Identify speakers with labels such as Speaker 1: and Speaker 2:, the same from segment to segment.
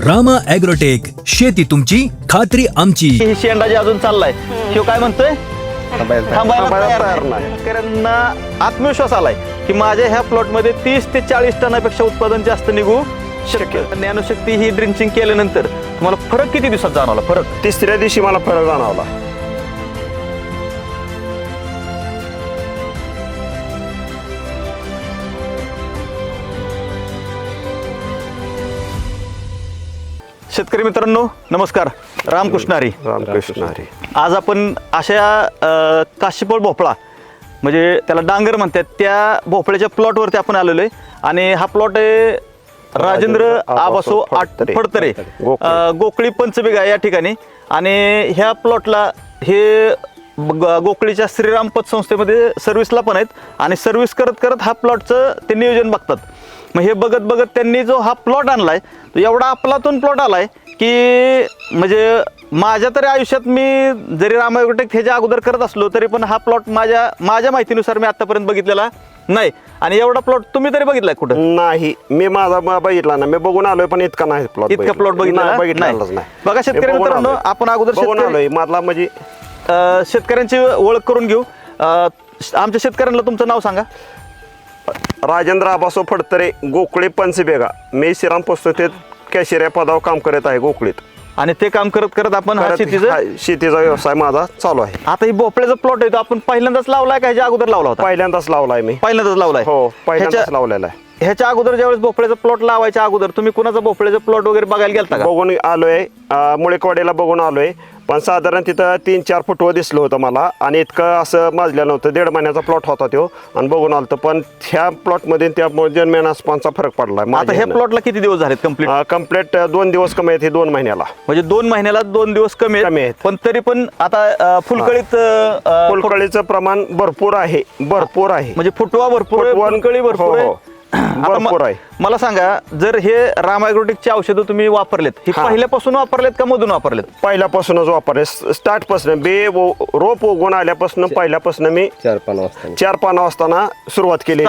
Speaker 1: Rama agrotech, शेती तुमची खात्री आमची.
Speaker 2: ही शेंडा अजून चाललाय शिव काय म्हणतोय थांबायला तयार नाही. शेतकऱ्यांना आत्मविश्वास आलाय की माझ्या ह्या प्लॉट मध्ये 30 ते 40 टनापेक्षा उत्पादन जास्त निघू शक्य. ज्ञानशक्ती ही ड्रिंचिंग केल्यानंतर तुम्हाला फरक किती दिवसात जाणवला? फरक
Speaker 3: तिसऱ्या दिवशी मला फरक जाणवला.
Speaker 2: शेतकरी मित्रांनो नमस्कार. रामकृष्ण हरी.
Speaker 3: रामकृष्ण हरी.
Speaker 2: आज आपण अशा काशीफळ भोपळा म्हणजे त्याला डांगर म्हणतात त्या भोपळ्याच्या प्लॉटवरती आपण आलेलो आहे आणि हा प्लॉट आहे राजेंद्र आबासो फडतरे गोकळी पंचबिगा या ठिकाणी. आणि ह्या प्लॉटला हे गोकळीच्या श्रीराम पतसंस्थेमध्ये सर्व्हिसला पण आहेत आणि सर्व्हिस करत करत हा प्लॉटचं ते नियोजन बघतात. मग हे बघत बघत त्यांनी जो हा प्लॉट आणलाय तो एवढा आपलातून प्लॉट आलाय की म्हणजे माझ्या तरी आयुष्यात मी जरी रामा ॲग्रोटेक ह्याच्या अगोदर करत असलो तरी पण हा प्लॉट माझ्या माहितीनुसार मी आतापर्यंत बघितलेला नाही. आणि एवढा प्लॉट तुम्ही तरी बघितलाय कुठं?
Speaker 3: नाही, मी माझा बघितला ना. मी बघून आलोय पण इतका नाही प्लॉट.
Speaker 2: इतका प्लॉट बघितलाच नाही. बघा शेतकरी मित्रांनो, आपण अगोदर
Speaker 3: बघून आलोय माझला म्हणजे
Speaker 2: शेतकऱ्यांची ओळख करून घेऊ. आमच्या शेतकऱ्यांना तुमचं नाव सांगा.
Speaker 3: राजेंद्र आबासो फडतरे, गोकळी पंचबेगा. मी श्रीराम पुस्तकेत कॅशियर या पदावर काम करत आहे गोकळीत.
Speaker 2: आणि ते काम करत करत आपण
Speaker 3: शेतीचा व्यवसाय माझा चालू आहे.
Speaker 2: आता ही भोपळ्याचा प्लॉट आहे तो आपण पहिल्यांदाच लावलाय का ह्याच्या अगोदर लावला होता?
Speaker 3: पहिल्यांदाच लावलाय मी.
Speaker 2: पहिल्यांदाच लावलाय.
Speaker 3: हो, पहिल्यांदाच लावलेला आहे.
Speaker 2: ह्याच्या अगोदर ज्यावेळेस भोपळ्याचा प्लॉट लावायच्या अगोदर तुम्ही कुणाचा भोपळ्याचा प्लॉट वगैरे बघायला गेलता का?
Speaker 3: बघून आलोय, मुळेकवाडीला बघून आलोय. पण साधारण तिथं 3-4 फुटवं दिसलं होतं मला आणि इतकं असं माजलं नव्हतं. 1.5 महिन्याचा प्लॉट होता तो आणि बघून आलतं. पण ह्या प्लॉटमध्ये त्या जन्मेनास्पांचा फरक पडला.
Speaker 2: आता ह्या प्लॉटला किती दिवस झालेत
Speaker 3: कम्प्लीट 2 दिवस कमी आहेत. 2 महिन्याला
Speaker 2: म्हणजे 2 महिन्याला 2 दिवस कमी आहेत. पण तरी पण आता
Speaker 3: फुलकळीचं प्रमाण भरपूर आहे.
Speaker 2: म्हणजे फुटवा भरपूर, फुलकळी भरपूर आहे.
Speaker 3: भरपूर आहे.
Speaker 2: मला सांगा, जर हे रामा ॲग्रोटेकची औषधं तुम्ही वापरलेत हे पहिल्यापासून वापरलेत का मधून वापरलेत?
Speaker 3: पहिल्यापासूनच वापरले. स्टार्ट पासून रोप उगवून आल्यापासून पहिल्यापासून मी 4 पानं असताना सुरुवात केली.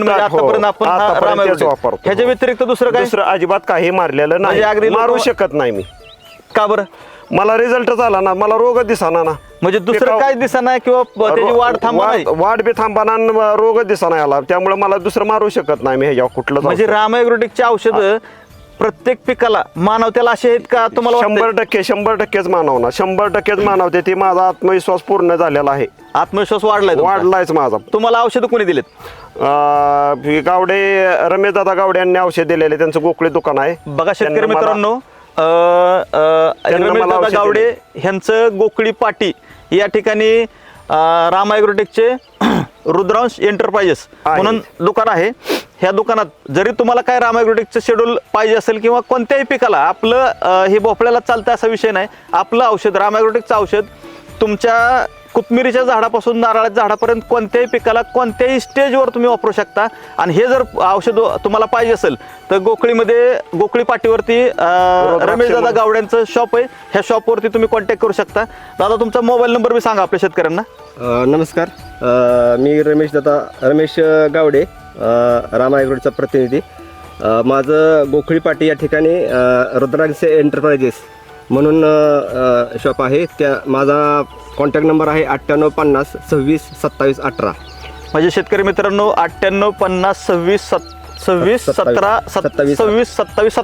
Speaker 2: ह्याच्या व्यतिरिक्त दुसरं
Speaker 3: अजिबात काही मारलेलं नाही. मारू शकत नाही मी.
Speaker 2: का बरं?
Speaker 3: मला रिझल्टच आला ना. मला रोग दिसाना ना.
Speaker 2: म्हणजे दुसरं काय दिसाना किंवा त्याची वाढ
Speaker 3: बी थांबाना, रोग दिसाना आला. त्यामुळे मला दुसरं मारू शकत नाही मी ह्याच्यावर कुठलं.
Speaker 2: म्हणजे रामा ॲग्रोटेकची औषधं प्रत्येक पिकाला मानवतेला असे आहेत का तुम्हाला?
Speaker 3: 100% मानवणार. 100% मानवते. ती माझा आत्मविश्वास पूर्ण झालेला आहे.
Speaker 2: आत्मविश्वास वाढलायच
Speaker 3: माझा.
Speaker 2: तुम्हाला औषधं कोणी दिलेत?
Speaker 3: गावडे, रमेश दादा गावडे यांनी औषध दिलेले. त्यांचं गोकळी दुकान आहे.
Speaker 2: बघा शेतकरी मित्रांनो, रमेश दादा गावडे ह्यांचं गोकळी पाटी या ठिकाणी रामा ॲग्रोटेकचे रुद्रांश एंटरप्राइजेस म्हणून दुकान आहे. ह्या दुकानात जरी तुम्हाला काय रामा ॲग्रोटेकचं शेड्यूल पाहिजे असेल किंवा कोणत्याही पिकाला आपलं हे भोपळ्याला चालतं असा विषय नाही. आपलं औषध रामा ॲग्रोटेकचं औषध तुमच्या कोथिंबीरीच्या झाडापासून नारळाच्या झाडापर्यंत कोणत्याही पिकाला कोणत्याही स्टेजवर तुम्ही वापरू शकता. आणि हे जर औषध तुम्हाला पाहिजे असेल तर गोकळी पाटीवरती रमेश दादा गावड्यांचं शॉप आहे. ह्या शॉपवरती तुम्ही कॉन्टॅक्ट करू शकता. दादा तुमचा मोबाईल नंबर बी सांगा आपल्या शेतकऱ्यांना.
Speaker 4: नमस्कार, मी रमेश गावडे, रामा ॲग्रोटेकचा प्रतिनिधी. माझं गोखळी पाटी या ठिकाणी रुद्रांश एंटरप्राइजेस म्हणून शॉप आहे. त्या माझा कॉन्टॅक्ट नंबर आहे 9850 26 27 18.
Speaker 2: म्हणजे शेतकरी मित्रांनो 9850 26 27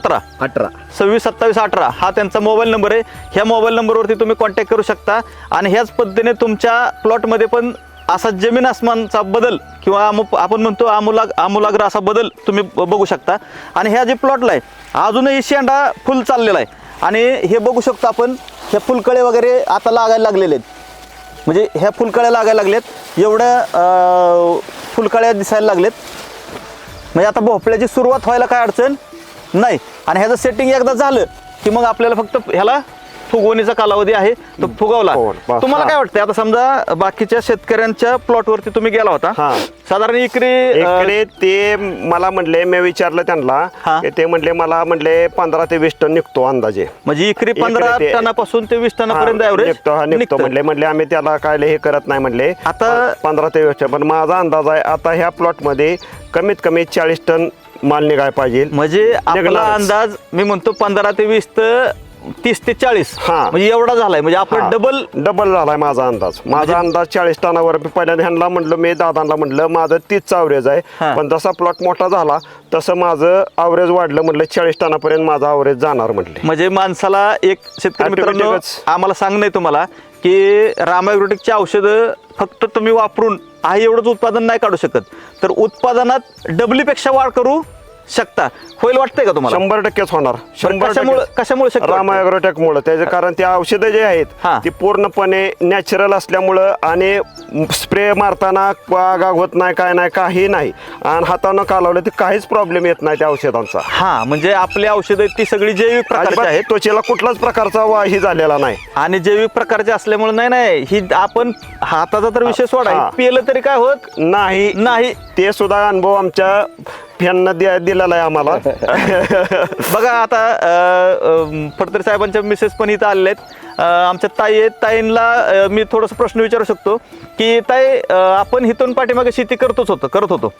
Speaker 2: 18 हा त्यांचा मोबाईल नंबर आहे. ह्या मोबाईल नंबरवरती तुम्ही कॉन्टॅक्ट करू शकता. आणि ह्याच पद्धतीने तुमच्या प्लॉटमध्ये पण असा जमीन आसमानचा बदल किंवा आपण म्हणतो आमूलाग्र असा बदल तुम्ही बघू शकता. आणि ह्या जे प्लॉटला आहे अजूनही शेंडा फुल चाललेला आहे. आणि हे बघू शकतो आपण, ह्या फुलकळे वगैरे आता लागायला लागलेले आहेत. म्हणजे ह्या फुलकळ्या लागायला लागलेत, एवढ्या फुलकळ्या दिसायला लागलेत. म्हणजे आता भोपळ्याची सुरुवात व्हायला काय अडचण नाही. आणि ह्याचं सेटिंग एकदा झालं की मग आपल्याला फक्त ह्याला फुगवणीचा कालावधी आहे तो फुगवला. तुम्हाला काय वाटतं आता समजा बाकीच्या शेतकऱ्यांच्या प्लॉटवरती तुम्ही गेला होता, साधारण इकडे
Speaker 3: ते मला म्हणले, मी विचारलं त्यांना, ते म्हणले मला म्हणले 15 ते 20 टन निघतो अंदाजे.
Speaker 2: म्हणजे इकडे 15 टनापासून ते 20 टनापर्यंत
Speaker 3: निघतो म्हणले आम्ही त्याला काय हे करत नाही म्हणले. आता 15 ते 20 टन. पण माझा अंदाज आहे आता ह्या प्लॉट मध्ये कमीत कमी 40 टन माल निघाय पाहिजे.
Speaker 2: म्हणजे आपला
Speaker 3: निघणारच.
Speaker 2: अंदाज मी म्हणतो 15 ते 20 तर 30 ते 40
Speaker 3: हा.
Speaker 2: म्हणजे एवढा झालाय, म्हणजे आपण
Speaker 3: डबल झालाय माझा अंदाज. माझा अंदाज 40 टनावर. पहिल्यांदा ह्यांना म्हटलं, मी दादांना म्हटलं माझं 30चं अवरेज
Speaker 2: हा.
Speaker 3: आहे, पण जसा प्लॉट मोठा झाला तसं माझं अवरेज वाढलं. म्हटलं 40 टनापर्यंत माझा अवरेज जाणार म्हटले.
Speaker 2: म्हणजे माणसाला एक शेतकरी मित्रांनो
Speaker 3: Automaticच.
Speaker 2: आम्हाला सांगणं आहे तुम्हाला की रामा ॲग्रोटेकची औषधं फक्त तुम्ही वापरून आहे एवढंच उत्पादन नाही काढू शकत, तर उत्पादनात डबलीपेक्षा वाढ करू शकता. होईल वाटतंय का तुम्हाला?
Speaker 3: 100%च होणार. 100%.
Speaker 2: कशामुळे शक्य
Speaker 3: रामा
Speaker 2: वाटतंय?
Speaker 3: ॲग्रोटेकमुळे त्याचं कारण ते औषधं जे आहेत
Speaker 2: हा.
Speaker 3: ती पूर्णपणे नॅचरल असल्यामुळं आणि स्प्रे मारताना वाघ होत नाही, काय नाही, काही नाही. आणि हातानं कालवलं तर काहीच प्रॉब्लेम येत नाही त्या औषधांचा.
Speaker 2: हा, म्हणजे आपली औषधं आहेत ती सगळी जैविक प्रकारची
Speaker 3: अजिबात
Speaker 2: आहेत
Speaker 3: त्वचेला कुठलाच प्रकारचा वाही झालेला नाही.
Speaker 2: आणि जैविक प्रकारचे असल्यामुळे नाही ही आपण हाताचा तर विषय सोडा,
Speaker 3: हा.
Speaker 2: हे पिलं तरी काय होत
Speaker 3: नाही
Speaker 2: नाही.
Speaker 3: ते सुद्धा अनुभव आमच्या फॅननं दिलेला आहे आम्हाला.
Speaker 2: बघा आता फडतरे साहेबांच्या मिसेस पण इथं आलेल्या आहेत. आमच्या ताई आहेत. ताईंना मी थोडासा प्रश्न विचारू शकतो की ताई, आपण इथून पाठीमागे शेती करत होतो,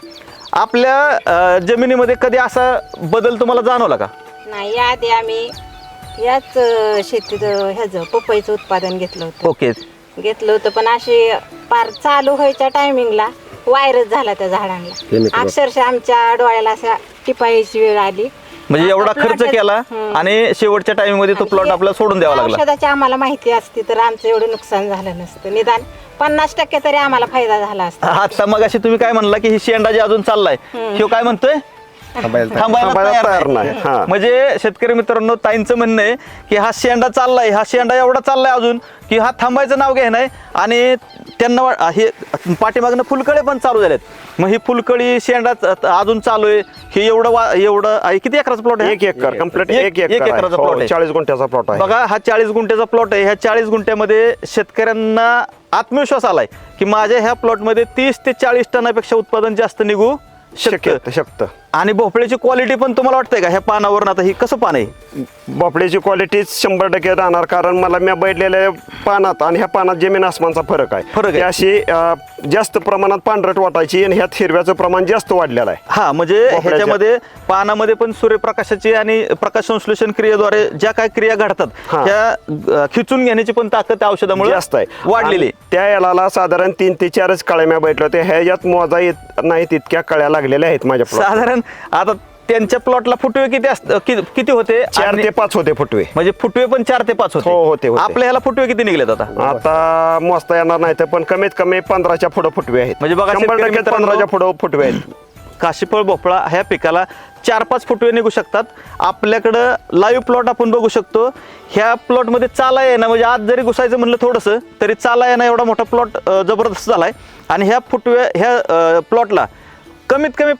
Speaker 2: आपल्या जमिनीमध्ये कधी असा बदल तुम्हाला जाणवला का?
Speaker 5: नाही, याआधी आम्ही याच शेतीत ह्याचं पपईचं उत्पादन घेतलं होतं.
Speaker 2: ओके.
Speaker 5: पण अशी पार चालू व्हायच्या टायमिंगला व्हायरस झाला त्या झाडांना.
Speaker 4: Chemical.
Speaker 5: अक्षरशः आमच्या डोळ्याला अशा टिपायची वेळ आली.
Speaker 2: म्हणजे एवढा
Speaker 5: आता
Speaker 2: खर्च
Speaker 5: plot-
Speaker 2: केला
Speaker 5: हम्म.
Speaker 2: आणि शेवटच्या टाइम मध्ये तो
Speaker 5: आणि
Speaker 2: प्लॉट
Speaker 5: हे-
Speaker 2: आपल्याला सोडून द्यावा लागला.
Speaker 5: औषधाची आम्हाला माहिती असती तर आमचं एवढं नुकसान झालं नसतं. निदान 50% तरी आम्हाला फायदा झाला असता.
Speaker 2: आता मग अशी तुम्ही काय म्हणला की ही शेंडा जे अजून चाललाय ह्यो काय म्हणतोय? थांबायला
Speaker 3: थांबायला
Speaker 2: तयार
Speaker 3: तयार
Speaker 2: नाही.
Speaker 3: नाही. हा.
Speaker 2: म्हणजे शेतकरी मित्रांनो, ताईंचं म्हणणं आहे की हा शेंडा चाललाय, हा शेंडा एवढा चाललाय अजून की हा थांबायचं नाव घे नाही. आणि त्यांना हे पाठीमागनं फुलकळे पण चालू झालेत. मग ही फुलकळी शेंडा अजून चालू आहे. हे एवढं आहे. किती एकराचा प्लॉट आहे?
Speaker 3: 1 एकर कम्प्लीट.
Speaker 2: एक एकराचा प्लॉट आहे.
Speaker 3: 40 गुंठ्याचा प्लॉट आहे.
Speaker 2: बघा, हा 40 गुंठ्याचा प्लॉट आहे. ह्या 40 गुंठ्यामध्ये शेतकऱ्यांना आत्मविश्वास आलाय की माझ्या ह्या प्लॉटमध्ये 30 ते 40 टनापेक्षा उत्पादन जास्त निघू
Speaker 3: शकतं.
Speaker 2: आणि भोपळ्याची क्वालिटी पण तुम्हाला वाटतंय का ह्या पानावरून? आता ही कसं पान आहे?
Speaker 3: भोपळ्याची क्वालिटी 100% राहणार, कारण मला मी बैठलेल्या पानात आणि ह्या पानात जमीन आसमानचा फरक आहे. ती अशी जास्त प्रमाणात पांढरट वाटायची आणि ह्यात हिरव्याचं प्रमाण जास्त वाढलेलं आहे.
Speaker 2: हा, म्हणजे ह्याच्यामध्ये पानामध्ये पण सूर्यप्रकाशाची आणि प्रकाश संश्लेषण क्रियेद्वारे ज्या काय क्रिया घडतात
Speaker 3: हा.
Speaker 2: त्या खिचून घेण्याची पण ताकद त्या औषधामुळे
Speaker 3: जास्त आहे
Speaker 2: वाढलेली
Speaker 3: आणि त्या याला साधारण 3 ते 4 कळ्या मी बैठल्या होत्या. ह्याच्यात मोजा येत नाही तितक्या कळ्या लागलेल्या आहेत माझ्या plot.
Speaker 2: साधारण आता त्यांच्या प्लॉटला फुटवे किती होते?
Speaker 3: 4 ते 5 होते फुटवे.
Speaker 2: म्हणजे फुटवे पण 4 ते 5
Speaker 3: हो, होते.
Speaker 2: आपल्या ह्याला फुटवे किती निघलेत आता?
Speaker 3: आता मोजता येणार नाही तर पण कमीत कमी 15च्या पुढे फुटवे आहेत.
Speaker 2: म्हणजे बघा,
Speaker 3: 100% 15च्या पुढे फुटवे आहेत.
Speaker 2: काशीफळ भोपळा ह्या पिकाला 4-5 फुटवे निघू शकतात. आपल्याकडं लाईव्ह प्लॉट आपण बघू शकतो. ह्या प्लॉटमध्ये चाला आहे ना, म्हणजे आज जरी घुसायचं म्हणलं थोडंसं तरी चाला आहे ना, एवढा मोठा प्लॉट जबरदस्त झालाय. आणि ह्या प्लॉटला कमीत कमी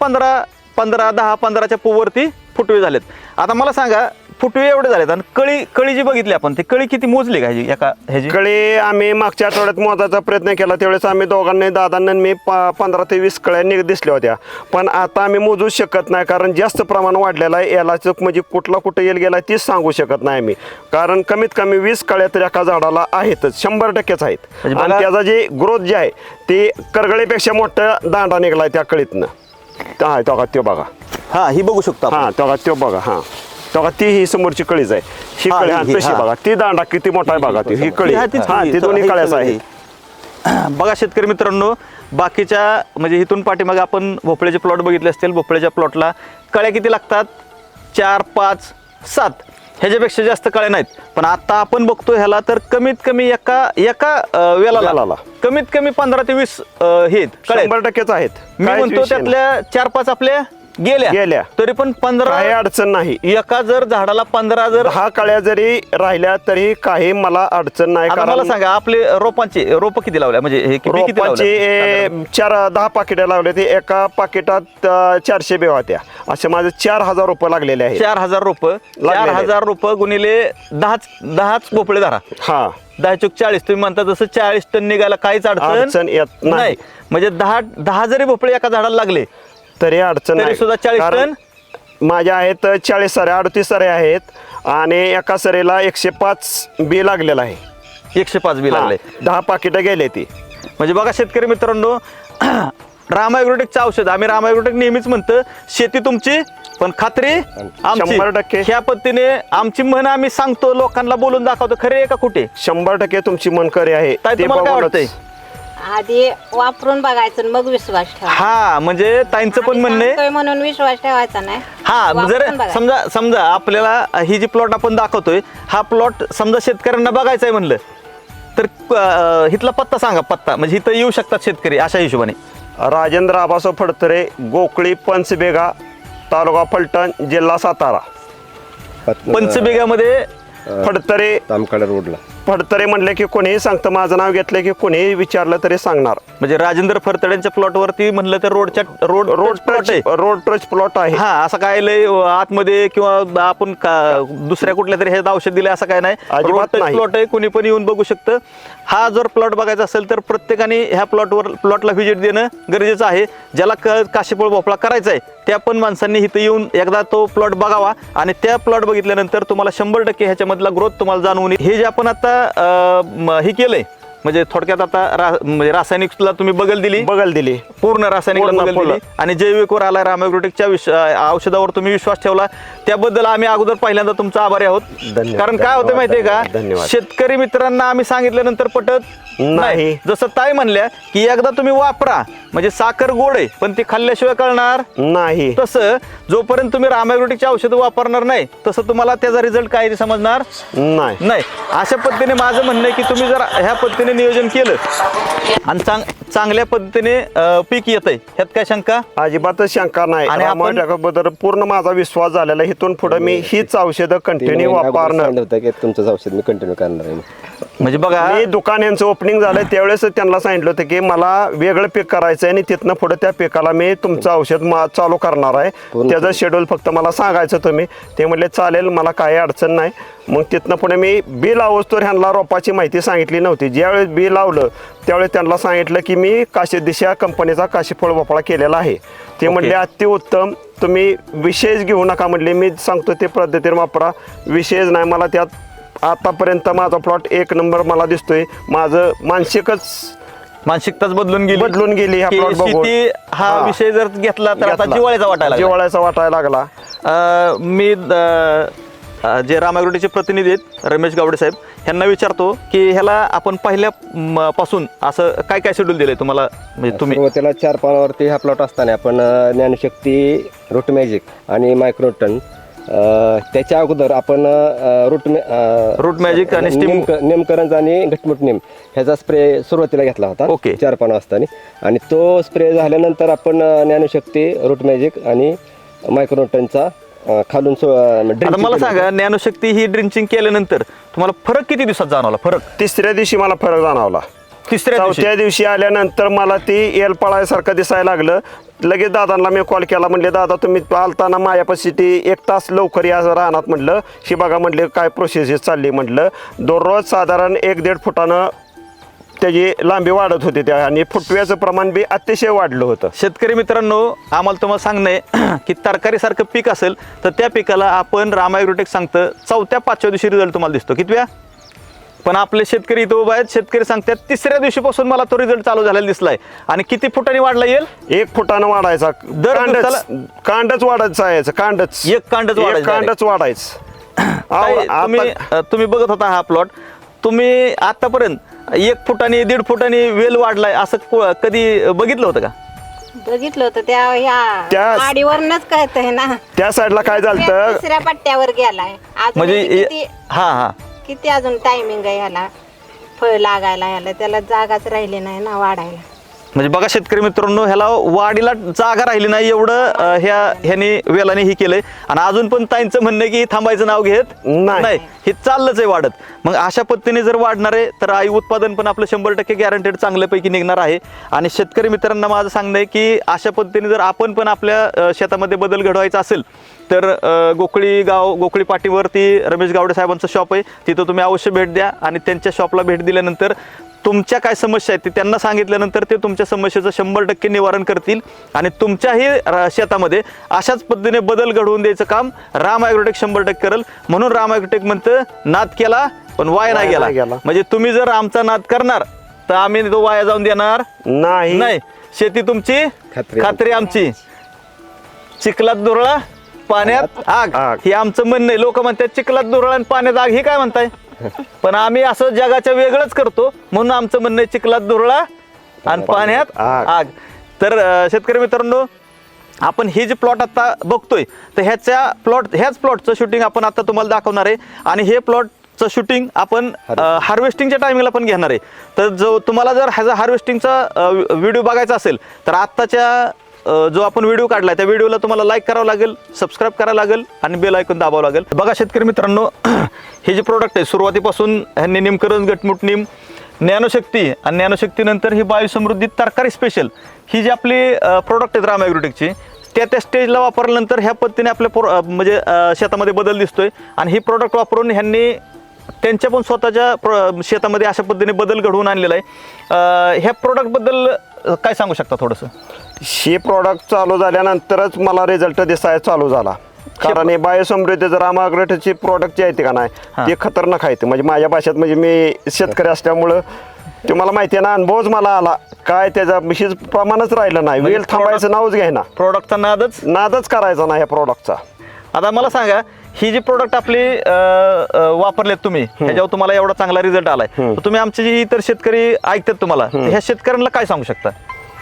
Speaker 2: 10-15च्या वरती फुटवे झालेत. आता मला सांगा, फुटवे एवढे झालेत आणि कळी जी बघितली आपण, ती कळी किती मोजली का ह्याची?
Speaker 3: कळे आम्ही मागच्या आठवड्यात मोजायचा प्रयत्न केला. त्यावेळेस आम्ही दोघांनी, दादांनी मी 15 ते 20 कळ्या दिसल्या होत्या. पण आता आम्ही मोजूच शकत नाही, कारण जास्त प्रमाण वाढलेलं आहे. याला म्हणजे कुठं येल गेला तीच सांगू शकत नाही आम्ही, कारण कमीत कमी 20 कळ्या तर एका झाडाला आहेतच, 100%च आहेत.
Speaker 2: म्हणजे
Speaker 3: आणि त्याचा जे ग्रोथ जे आहे ते करगळीपेक्षा मोठा दांडा निघलाय त्या कळीतनं. हा, तो बघा.
Speaker 2: हा, ही बघू शकतो आपण.
Speaker 3: हा, तो बघा. हा, तो ती ही समोरची कळीच आहे. ही
Speaker 2: हा,
Speaker 3: कळी
Speaker 2: ही,
Speaker 3: तशी
Speaker 2: हा.
Speaker 3: बघा, ती दांडा किती मोठा आहे बघा. ही कळी,
Speaker 2: हा, तीच
Speaker 3: हा,
Speaker 2: कळी.
Speaker 3: ती दोन्ही
Speaker 2: ही
Speaker 3: कळ्याच
Speaker 2: कळी.
Speaker 3: आहेत.
Speaker 2: बघा शेतकरी मित्रांनो, बाकीच्या म्हणजे इथून पाठीमागे आपण भोपळ्याचे प्लॉट बघितले असतील. भोपळ्याच्या प्लॉटला कळ्या किती लागतात? 4, 5, 7 ह्याच्यापेक्षा जास्त कळ्या नाहीत. पण आता आपण बघतो ह्याला तर कमीत कमी एका वेलाला कमीत कमी 15 ते 20 हे कळ्या
Speaker 3: 100%च आहेत.
Speaker 2: मी
Speaker 3: काहीच
Speaker 2: म्हणतो
Speaker 3: विषय नाही.
Speaker 2: त्यातल्या 4-5 आपल्या गेल्या तरी पण 15
Speaker 3: काही अडचण नाही.
Speaker 2: एका जर झाडाला 15 जर
Speaker 3: 10 कळ्या जरी राहिल्या तरी काही मला अडचण नाही.
Speaker 2: आता मला सांगा, आपले रोप किती लावल्या? म्हणजे हे किती
Speaker 3: रोपांचे 10 पाकिटं लावले. ते एका पाकिटात 400 बेवा होत्या. असे माझे 4000 रोपं लागलेले आहेत.
Speaker 2: 4000 रोपं, 4000 रोपं गुणिले 10च भोपळे धरा.
Speaker 3: हा,
Speaker 2: 10 चूक 40. तुम्ही म्हणता तसं 40 टन निघायला काहीच
Speaker 3: अडचण येत नाही.
Speaker 2: म्हणजे 10 जरी भोपळे एका झाडाला लागले
Speaker 3: तरी अडचण
Speaker 2: तरी
Speaker 3: नाही.
Speaker 2: सुद्धा 40
Speaker 3: कारण माझ्या आहेत 40 सऱ्या, 38 सऱ्या आहेत आणि एका सरीला 105 बी लागलेला आहे.
Speaker 2: 105 बी लागले.
Speaker 3: 10 पाकिटं गेले ती.
Speaker 2: म्हणजे बघा शेतकरी मित्रांनो, राम ॲग्रोटेकचं औषध, आम्ही राम ॲग्रोटेक नेहमीच म्हणतो शेती तुमची पण खात्री आमची.
Speaker 3: 100%.
Speaker 2: ह्या पद्धतीने आमची म्हण आम्ही सांगतो, लोकांना बोलून दाखवतो. खरे आहे का कुठे?
Speaker 3: 100% तुमची मनकरी आहे.
Speaker 2: ताई,
Speaker 3: ते
Speaker 2: तुम्हाला काय
Speaker 3: बघूनच.
Speaker 2: वाटतंय?
Speaker 5: आधी वापरून बघायचं आणि मग विश्वास ठेवा.
Speaker 2: हा, म्हणजे ताईंचं पण म्हणणं आहे.
Speaker 5: सांगतोय म्हणून विश्वास ठेवायचा नाही.
Speaker 2: हा, जर
Speaker 5: वापरून बघायचं.
Speaker 2: समजा आपल्याला ही जी प्लॉट आपण दाखवतोय, हा प्लॉट समजा शेतकऱ्यांना बघायचा आहे म्हणलं तर इथला पत्ता सांगा, पत्ता म्हणजे इथं येऊ शकतात शेतकरी अशा हिशोबाने.
Speaker 3: राजेंद्र आबासाव फडतरे, गोकळी, पंचबेगा, तालुका फलटण, जिल्हा सातारा.
Speaker 2: पंचबिघामध्ये
Speaker 3: फडतरे
Speaker 4: तामकाडा रोडला.
Speaker 3: फडतरे म्हणले की कोणीही सांगतं, माझं नाव घेतलं की कोणीही विचारलं तरी सांगणार.
Speaker 2: म्हणजे राजेंद्र फरतड्यांच्या प्लॉटवरती म्हणलं तर रोड
Speaker 3: टच प्लॉट आहे.
Speaker 2: हा, असं काय लय आतमध्ये किंवा आपण दुसऱ्या कुठल्या तरी हे औषध दिले असं काय नाही. रोड
Speaker 3: अजिबात
Speaker 2: टच
Speaker 3: नाही.
Speaker 2: प्लॉट आहे, कोणी पण येऊन बघू शकतं. हा जर प्लॉट बघायचा असेल तर प्रत्येकाने ह्या प्लॉटला व्हिजिट देणं गरजेचं आहे. ज्याला काशीफळ भोपळा करायचा आहे त्या पण माणसांनी इथं येऊन एकदा तो प्लॉट बघावा आणि त्या प्लॉट बघितल्यानंतर तुम्हाला 100% ह्याच्यामधला ग्रोथ तुम्हाला जाणवून येईल. हे जे आपण आता हे केलंय म्हणजे थोडक्यात आता म्हणजे रासायनिकला तुम्ही बगल दिली, पूर्ण रासायनिकला बगल दिली आणि जैविकवर आला राम ॲग्रोटेकच्या औषधावर तुम्ही विश्वास ठेवला, त्याबद्दल आम्ही अगोदर पहिल्यांदा तुमचा आभारी आहोत. कारण काय होतं माहितीये का, शेतकरी मित्रांना आम्ही सांगितल्यानंतर पटत नाही. जसं ताई म्हणल्या की एकदा तुम्ही वापरा, म्हणजे साखर गोड आहे पण ती खाल्ल्याशिवाय कळणार
Speaker 3: नाही.
Speaker 2: तसं जोपर्यंत तुम्ही राम ॲग्रोटेकची औषधं वापरणार नाही तसं तुम्हाला त्याचा रिझल्ट काय समजणार नाही. अशा पद्धतीने माझं म्हणणं आहे की तुम्ही जर ह्या पद्धतीने नियोजन केलं आणि चांगल्या पद्धतीने पीक येतंय, ह्यात काय शंका?
Speaker 3: अजिबातच शंका नाही.
Speaker 2: आणि
Speaker 3: आणि बद्दल पूर्ण माझा विश्वास झालेला. इथून पुढे मी हीच औषधं कंटिन्यू वापरणार.
Speaker 4: तुमचंच औषध मी कंटिन्यू करणार आहे.
Speaker 2: म्हणजे बघा,
Speaker 3: मी दुकान यांचं ओपनिंग झालं त्यावेळेस त्यांना सांगितलं होतं की मला वेगळं पीक करायचं आहे आणि तिथनं पुढे त्या पिकाला मी तुमचं औषध चालू करणार आहे. त्याचं शेड्यूल फक्त मला सांगायचं तुम्ही. ते म्हणले चालेल, मला काही अडचण नाही. मग तिथनं पुढे मी बी लावस्तोवर ह्यांना रोपाची माहिती सांगितली नव्हती. ज्यावेळेस बी लावलं त्यावेळेस त्यांना सांगितलं की मी दिशा कंपनीचा काशीफळ भोपळा केलेला आहे. ते म्हणले अतिउत्तम, तुम्ही विशेष घेऊ नका म्हणले. मी सांगतो ते पद्धतीने वापरा, विशेष नाही. मला त्यात आतापर्यंत माझा प्लॉट 1 नंबर मला दिसतोय. माझं
Speaker 2: मानसिकताच बदलून गेली
Speaker 3: ह्या प्लॉट बघून.
Speaker 2: शेती हा विषय जर घेतला तर आता
Speaker 3: जिव्हाळ्याचा वाटायला लागला.
Speaker 2: मी जे राम ॲग्रोटेकचे प्रतिनिधी आहेत रमेश गावडे साहेब, ह्यांना विचारतो की ह्याला आपण पहिल्या पासून असं काय काय शेड्यूल दिलंय तुम्हाला? म्हणजे तुम्ही
Speaker 4: सुरुवातीला 4 पानावरती हा प्लॉट असताना आपण ज्ञानशक्ती, रूट मॅजिक आणि मायक्रोटन, त्याच्या अगोदर आपण रूट मॅजिक आणि नेमकरंज आणि घटमुट नेम ह्याचा स्प्रे सुरुवातीला घेतला होता. 4 पानं असताना. आणि तो स्प्रे झाल्यानंतर आपण ज्ञानशक्ती, रूट मॅजिक आणि मायक्रोटनचा खालून
Speaker 2: मला सांगा, ज्ञानशक्ती ही ड्रिंचिंग केल्यानंतर तुम्हाला फरक किती दिवसात जाणवला? फरक
Speaker 3: 3ऱ्या दिवशी मला फरक जाणवला. 4थ्या दिवशी आल्यानंतर मला ती एल पळायसारखं दिसायला लागलं. लगेच दादांना मी कॉल केला. म्हणले दादा तुम्ही आलताना माझ्यापाशी ती 1 तास लवकर या राहणार म्हटलं. ही बघा म्हटले काय प्रोसेस चालली म्हटलं. दररोज साधारण 1-1.5 फुटानं त्याची लांबी वाढत होती त्या आणि फुटव्याचं प्रमाण बी अतिशय वाढलं होतं.
Speaker 2: शेतकरी मित्रांनो, आम्हाला तुम्हाला सांगणं आहे की तरकारीसारखं पीक असेल तर त्या पिकाला आपण राम ॲग्रोटेक सांगतं 4-5व्या दिवशी रिझल्ट तुम्हाला दिसतो. कितव्या? पण आपले शेतकरी इथं उभा आहेत, शेतकरी सांगतात 3ऱ्या दिवशीपासून मला तो रिझल्ट चालू झालेला दिसलाय. आणि किती फुटांनी वाढला येईल?
Speaker 3: 1 फुटानं वाढायचा. कांडच वाढायचं यायचं. कांडच वाढायचं.
Speaker 2: तुम्ही बघत होता हा प्लॉट, तुम्ही आतापर्यंत 1 फुटाने 1.5 फुटाने वेल वाढलाय असं कधी बघितलं होतं का?
Speaker 5: बघितलं होतं त्या आडीवरनच कळतंय ना.
Speaker 3: त्या साईडला काय झालं,
Speaker 5: 3ऱ्या पट्ट्यावर गेलाय.
Speaker 2: म्हणजे
Speaker 5: किती अजून टायमिंग आहे ह्याला फळ लागायला, ह्याला त्याला जागाच राहिली नाही ना वाढायला.
Speaker 2: म्हणजे बघा शेतकरी मित्रांनो, ह्याला वाढीला जागा राहिली नाही एवढं ह्याने वेलाने ही केलंय. आणि अजून पण ताईंचं म्हणणं आहे की थांबायचं नाव घेत नाही, हे चाललंच आहे वाढत. मग अशा पद्धतीने जर वाढणार आहे तर आई उत्पादन पण आपलं 100% गॅरंटेड चांगल्यापैकी निघणार आहे. आणि शेतकरी मित्रांना माझं सांगणं आहे की अशा पद्धतीने जर आपण पण आपल्या शेतामध्ये बदल घडवायचा असेल तर गोकळी पाटीवरती रमेश गावडे साहेबांचं शॉप आहे, तिथं तुम्ही अवश्य भेट द्या. आणि त्यांच्या शॉपला भेट दिल्यानंतर तुमच्या काय समस्या आहेत ते त्यांना सांगितल्यानंतर ते तुमच्या समस्येचं 100% निवारण करतील. आणि तुमच्याही शेतामध्ये अशाच पद्धतीने बदल घडवून द्यायचं काम राम ॲग्रोटेक 100% करेल. म्हणून राम ॲग्रोटेक म्हणतं नाद केला पण वाया नाही गेला. म्हणजे तुम्ही जर आमचा नाद करणार तर आम्ही तो वाया जाऊन देणार नाही. शेती तुमची खात्री आमची. चिखलात दुरळा पाण्यात आग हे आमचं म्हणणं आहे. लोक म्हणतात चिखलात दुरळा आणि पाण्यात आग, हे काय म्हणताय? पण आम्ही असं जगाच्या वेगळंच करतो म्हणून आमचं म्हणणं आहे चिखलात दुरळा आणि पाण्यात आग. तर शेतकरी मित्रांनो, आपण हे जे प्लॉट आता बघतोय तर ह्याच प्लॉटचं शूटिंग आपण आता तुम्हाला दाखवणार आहे. आणि हे प्लॉटचं शूटिंग आपण हार्वेस्टिंगच्या टायमिंगला पण घेणार आहे. तर जो तुम्हाला जर ह्याचा हार्वेस्टिंगचा व्हिडिओ बघायचा असेल तर आत्ताच्या जो आपण व्हिडिओ काढलाय त्या व्हिडिओला तुम्हाला लाईक करावं लागेल, सबस्क्राईब करावं लागेल आणि बेल आयकॉन दाबावं लागेल. बघा शेतकरी मित्रांनो, हे जे प्रोडक्ट आहे सुरुवातीपासून ह्यांनी निमकरंज, गटमुट निम, ज्ञानशक्ती आणि ज्ञानशक्तीनंतर ही बायोसमृद्धी तरकारी स्पेशल ही जी आपली प्रोडक्ट आहेत रामा ॲग्रोटेकची, त्या स्टेजला वापरल्यानंतर ह्या पद्धतीने आपल्या म्हणजे शेतामध्ये बदल दिसतोय. आणि ही प्रोडक्ट वापरून ह्यांनी त्यांच्या पण स्वतःच्या शेतामध्ये अशा पद्धतीने बदल घडवून आणलेला आहे. ह्या प्रोडक्टबद्दल काय सांगू शकता थोडंसं?
Speaker 3: हे प्रॉडक्ट चालू झाल्यानंतरच मला रिझल्ट दिसायला चालू झाला. कारण हे बायोसमृद्धी जर रामा ॲग्रोटेकची प्रॉडक्ट जे आहे का नाही ते खतरनाक आहे. म्हणजे माझ्या भाषेत, म्हणजे मी शेतकरी असल्यामुळं ते मला माहिती आहे ना, अनुभवच मला आला. काय त्याचा विशेष प्रमाणच राहिलं नाही, वेळ थांबायचं नावच घ्यायना,
Speaker 2: प्रोडक्टचा नादच
Speaker 3: करायचा नाही ह्या प्रॉडक्टचा.
Speaker 2: आता मला सांगा, ही जी प्रोडक्ट आपली वापरलेत तुम्ही, ह्याच्यावर तुम्हाला एवढा चांगला रिझल्ट आलाय, तर तुम्ही आमचे जे इतर शेतकरी ऐकतात तुम्हाला, ह्या शेतकऱ्यांना काय सांगू शकता?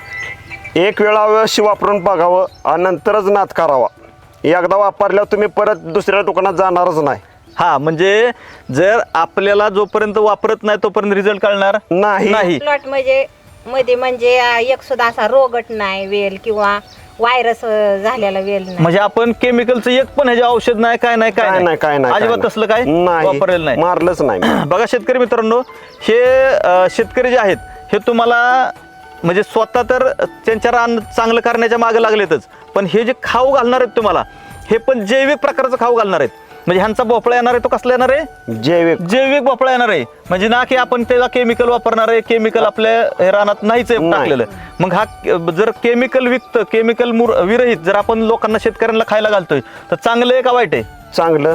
Speaker 3: एक वेळा अवश्य वापरून बघावं आणि नंतरच नाद करावा. एकदा वापरल्यावर तुम्ही परत दुसऱ्या दुकानात जाणारच नाही.
Speaker 2: हा, म्हणजे जर आपल्याला जोपर्यंत वापरत नाही तोपर्यंत रिझल्ट कळणार नाही.
Speaker 5: प्लॉट म्हणजे एक सुद्धा असा रोगट नाही वेल किंवा व्हायरस झालेला वेल नाही.
Speaker 2: म्हणजे आपण केमिकलचं एक पण ह्याचे औषध नाही, काय नाही अजिबात तसलं काय वापरलेलं नाही,
Speaker 3: मारलंच नाही.
Speaker 2: बघा शेतकरी मित्रांनो, हे शेतकरी जे आहेत हे तुम्हाला म्हणजे स्वतः तर त्यांच्या रान चांगलं करण्याच्या मागे लागलेतच, पण हे जे खाऊ घालणार आहेत तुम्हाला, हे पण जैविक प्रकारचं खाऊ घालणार आहेत. म्हणजे ह्यांचा भोपळा येणार आहे तो कसला येणार आहे? जैविक भोपळा येणार आहे. म्हणजे ना की आपण त्याला केमिकल वापरणार आहे, केमिकल आपल्या रानात नाहीच टाकलेलं. मग हा जर केमिकल विरहित जर आपण लोकांना, शेतकऱ्यांना खायला घालतोय तर चांगलं आहे का वाईट आहे?
Speaker 3: चांगलं.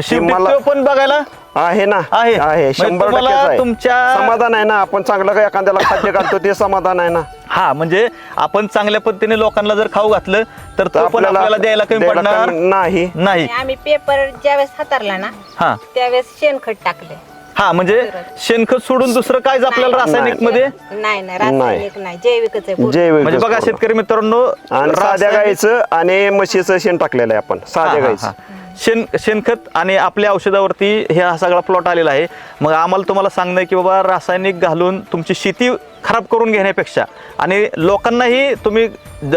Speaker 2: पण बघायला
Speaker 3: आहे ना, आहे 100% तुमच्या समाधान आहे ना. आपण चांगलं काय एखाद्याला खाद्य घालतो ते समाधान आहे ना.
Speaker 2: हा, म्हणजे आपण चांगल्या पद्धतीने लोकांना जर खाऊ घातलं तर तो पण आपल्याला द्यायला कमी पडणार नाही.
Speaker 5: आम्ही पेपर ज्यावेळेस हातारला ना त्यावेळेस शेणखत टाकले.
Speaker 2: हा, म्हणजे शेणखत सोडून दुसरं काय आपल्याला रासायनिक मध्ये
Speaker 5: नाही, रासायनिक नाही, जैविकच आहे.
Speaker 3: जैविक.
Speaker 2: म्हणजे बघा शेतकरी मित्रांनो,
Speaker 3: साध्या गाईचं आणि म्हशीचं शेण टाकलेलं आहे आपण, साध्या गाईचं
Speaker 2: शेणखत आणि आपल्या औषधावरती हे हा सगळा प्लॉट आलेला आहे. मग आम्हाला तुम्हाला सांगणं आहे की बाबा, रासायनिक घालून तुमची शेती खराब करून घेण्यापेक्षा आणि लोकांनाही तुम्ही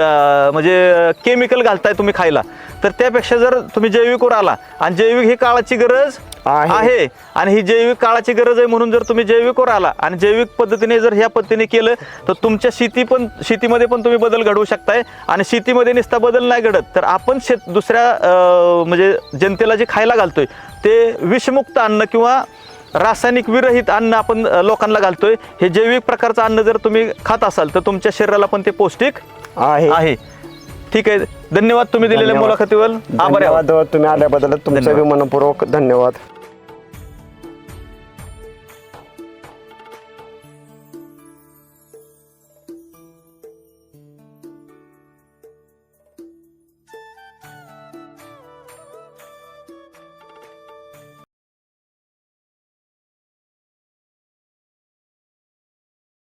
Speaker 2: म्हणजे केमिकल घालताय तुम्ही खायला, तर त्यापेक्षा जर तुम्ही जैविकवर आला, आणि जैविक ही काळाची गरज आहे, आणि ही जैविक काळाची गरज आहे म्हणून जर तुम्ही जैविकवर आला आणि जैविक पद्धतीने जर ह्या पद्धतीने केलं तर तुमच्या शेतीमध्ये पण तुम्ही बदल घडवू शकताय. आणि शेतीमध्ये नुसता बदल नाही घडत तर आपण दुसऱ्या म्हणजे जनतेला जे खायला घालतोय ते विषमुक्त अन्न किंवा रासायनिक विरहित अन्न आपण लोकांना घालतोय. हे जैविक प्रकारचं अन्न जर तुम्ही खात असाल तर तुमच्या शरीराला पण ते पौष्टिक आहे. ठीक आहे, धन्यवाद तुम्ही दिलेल्या मुलाखतीवर. आभार.
Speaker 3: तुम्ही आल्याबद्दल तुमचा मनपूर्वक धन्यवाद.